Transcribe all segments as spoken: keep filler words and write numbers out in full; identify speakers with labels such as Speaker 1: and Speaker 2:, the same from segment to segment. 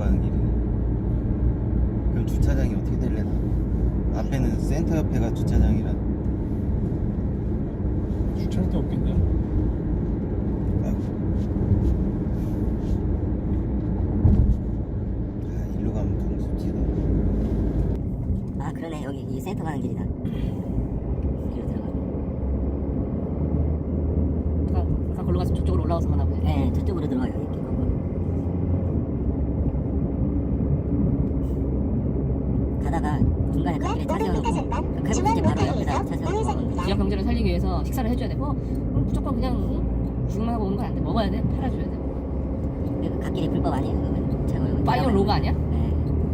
Speaker 1: 가는 길이네. 그럼 주차장이 어떻게 될래나? 앞에는 센터 옆에가 주차장이라.
Speaker 2: 주차할 데 없겠냐?
Speaker 1: 아이고. 아, 일로 가면 동수지도.
Speaker 3: 아 그러네, 여기 이 센터 가는 길이다. 여기로 들어가.
Speaker 4: 아까, 아까 걸로 가서 저쪽으로 올라가서 가나 보네.
Speaker 3: 네, 저쪽으로 들어가요. 이렇게 거꾸로. 가다가 중간에 갓길에 차 세워놓고 칼국수집 바로 옆에다 차 세워놓고
Speaker 4: 지역 경제를 살리기 위해서 식사를 해줘야 되고 그럼 무조건 그냥 응? 죽만 하고 오는 건 안 돼. 먹어야 돼. 팔아줘야 돼.
Speaker 3: 그 갓길이 불법 아니에요? 그러면 차 걸고
Speaker 4: 파이어 로그 아니야?
Speaker 3: 네.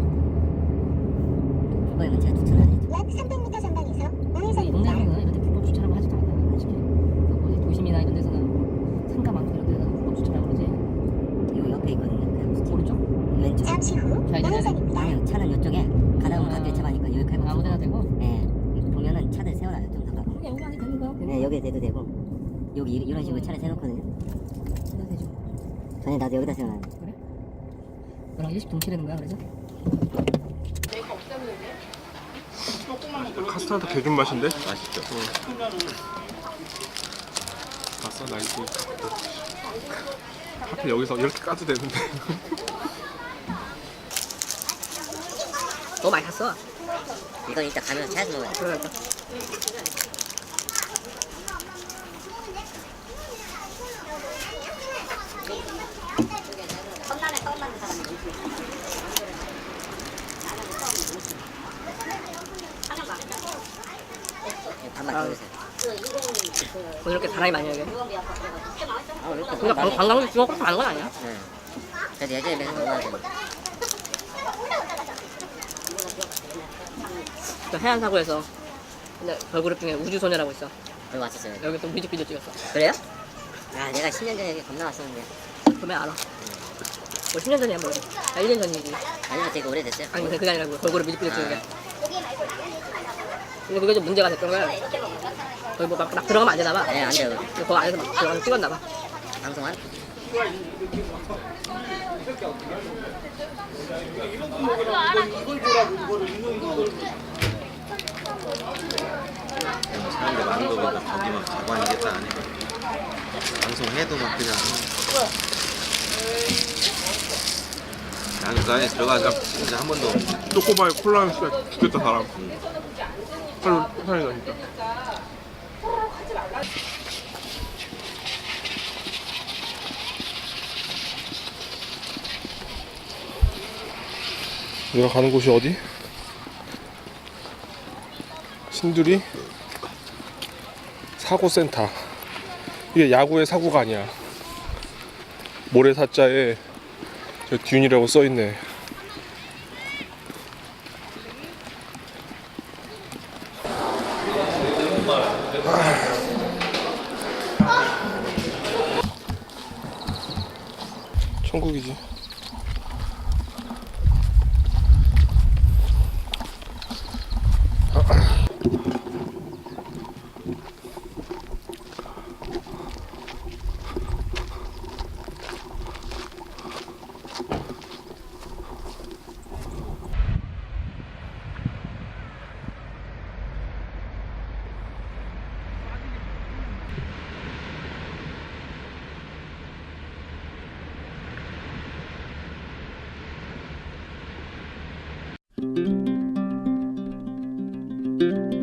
Speaker 3: 불법이면 제가 추천을 안 해줘.
Speaker 5: 약 삼백 미터 전방에서
Speaker 4: 우리
Speaker 5: 우회전입니다.
Speaker 4: 동네에서는 이런 데 불법 주차라고 하지도 않아. 솔직히. 그 뭐지, 도심이나 이런 데서는 상가 많고 이런 데서는 불법 주차라고 그러지.
Speaker 3: 요 옆에 있거든요. 칼국수집.
Speaker 4: 오른쪽?
Speaker 3: 왼쪽.
Speaker 5: 잠시 후
Speaker 4: 좌회전해야 돼?
Speaker 5: 우회전입니다.
Speaker 3: 아니요, 차는 이쪽에 가다 보면 갓길 차 가니까 여기 칼국수.
Speaker 4: 아무 데나 되고?
Speaker 3: 네. 보면은 차들 세워놔요. 좀 더 가고.
Speaker 4: 그냥 여기 안에 되는 거야.
Speaker 3: 네, 여기에 대도 되고 여기 이- 이런 식으로 차를 세워놓거든요.
Speaker 4: 그냥 되죠.
Speaker 3: 전에 나도 여기다 세워놔요.
Speaker 4: 그래? 너랑 일식 동치되는 거야 그래서?
Speaker 2: 카스타드 개준 맛인데?
Speaker 1: 맛있죠?
Speaker 2: 아싸 나이스. 하필 여기서 이렇게 까도 되는데.
Speaker 4: 너무 많이 샀어.
Speaker 3: 이건 이따 가면서 차에서 먹어요.
Speaker 4: 그러니까.
Speaker 3: 밥만 더 주세요.
Speaker 4: 오늘 이렇게 사람이 많이 여기.
Speaker 3: 아, 왜 이렇게
Speaker 4: 근데 관- 관광지 중국 그렇게 많은 건 아니야.
Speaker 3: 네. 그래도 예전에 비해서 너무 많아요.
Speaker 4: 그 해안사고에서 근데 걸그룹 중에 우주소녀라고 있어.
Speaker 3: 여기 왔었어요.
Speaker 4: 여기서 뮤직비디오 찍었어.
Speaker 3: 그래요? 아, 내가 십 년 전에 여기 겁나 왔었는데.
Speaker 4: 그러면 알아. 뭐 십 년 전이야 뭐. 아, 일 년 전이지.
Speaker 3: 아니면 되게 오래됐어요?
Speaker 4: 아니 그게 아니라 그 걸그룹 뮤직비디오 찍은 게.
Speaker 3: 아,
Speaker 4: 근데 그게 좀 문제가 됐던 거야. 거기 뭐막 막 들어가면 안 되나 봐.
Speaker 3: 네, 안 돼요.
Speaker 4: 근데 거기 안에서 막 들어가서 찍었나 봐.
Speaker 3: 방송한?
Speaker 1: 사람들 많은 거 보니까 거기 막 가관이겠다 안 해. 방송해도 막 그냥. 나는 그 안에 들어가서 진짜 한 번도.
Speaker 2: 초코바에 콜라 한 slag 죽겠다 사람. 하루 사이 나니까. 내가 가는 곳이 어디? 신두리 사고센터. 이게 야구의 사고가 아니야. 모래사자에 저 듄이라고 써있네. 천국이지.
Speaker 1: 음.